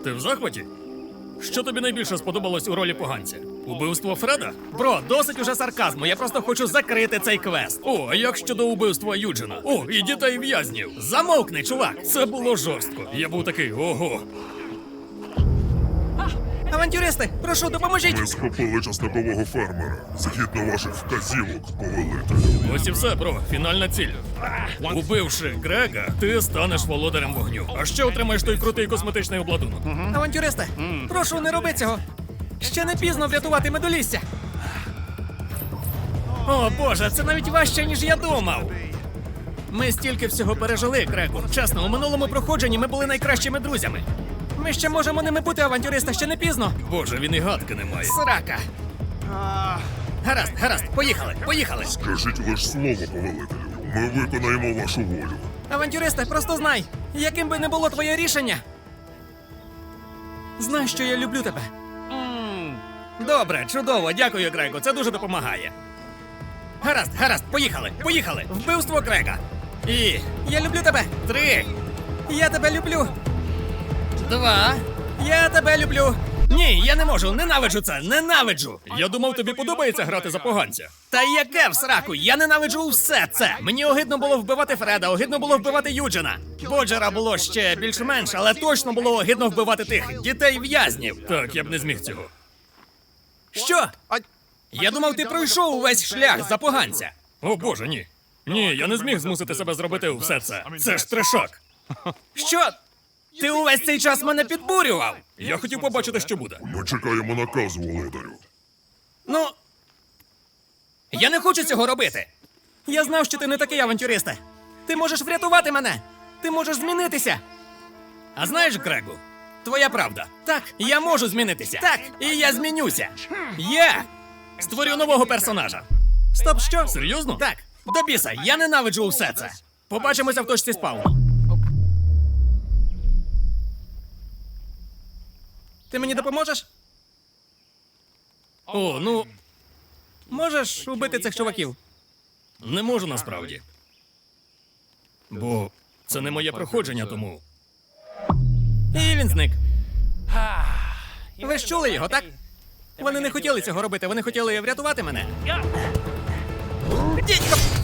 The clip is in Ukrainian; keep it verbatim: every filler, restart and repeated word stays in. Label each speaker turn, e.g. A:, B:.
A: Ти в захваті? Що тобі найбільше сподобалось у ролі поганця? Убивство Фреда? Бро, досить уже сарказму, я просто хочу закрити цей квест. О, а як щодо убивства Юджина? О, і дітей в'язнів. Замовкни, чувак. Це було жорстко. Я був такий, ого.
B: Авантюристи, прошу, допоможіть!
C: Ми схопили часткового фермера. Згідно ваших вказівок, повелителю.
A: Ось і все, бро, фінальна ціль. Убивши Грега, ти станеш володарем вогню. А ще отримаєш той крутий косметичний обладунок.
B: Авантюристи, прошу, не роби цього! Ще не пізно врятувати медолісся! О, Боже, це навіть важче, ніж я думав! Ми стільки всього пережили, Грегу. Чесно, у минулому проходженні ми були найкращими друзями. Ми ще можемо ними бути, авантюриста, ще не пізно.
A: Боже, він і гадки не має.
B: Срака. Гаразд, гаразд, поїхали, поїхали.
C: Скажіть лиш слово, повелителю. Ми виконаємо вашу волю.
B: Авантюристи, просто знай, яким би не було твоє рішення. Знай, що я люблю тебе.
A: Добре, чудово, дякую, Грегу, це дуже допомагає.
B: Гаразд, гаразд, поїхали, поїхали. Вбивство Грега. І я люблю тебе.
A: Три,
B: Я тебе люблю.
A: два.
B: Я тебе люблю.
A: Ні, я не можу, ненавиджу це, ненавиджу. Я думав, тобі подобається грати за поганця.
B: Та яке в сраку? Я ненавиджу все це.
A: Мені огидно було вбивати Фреда, огидно було вбивати Юджина. Боджера було ще більш-менш, але точно було огидно вбивати тих дітей-в'язнів. Так, я б не зміг цього.
B: Що?
A: Я думав, ти пройшов увесь шлях за поганця. О, Боже, ні. Ні, я не зміг змусити себе зробити все це. Це ж трешак.
B: Що? Ти увесь цей час мене підбурював.
A: Я хотів побачити, що буде.
C: Ми чекаємо наказу, володарю.
B: Ну, я не хочу цього робити. Я знав, що ти не такий авантюрист. Ти можеш врятувати мене. Ти можеш змінитися.
A: А знаєш, Грегу, твоя правда.
B: Так,
A: Я можу змінитися.
B: Так.
A: І я змінюся. Я створю нового персонажа.
B: Стоп, що?
A: Серйозно?
B: Так.
A: До біса, я ненавиджу усе це. Побачимося в точці спауну.
B: Ти мені допоможеш?
A: О, ну,
B: Можеш убити цих чуваків?
A: не можу насправді. Бо це не моє проходження, тому.
B: І він зник. Ви ж чули його, так? Вони не хотіли цього робити, вони хотіли врятувати мене. Дідько!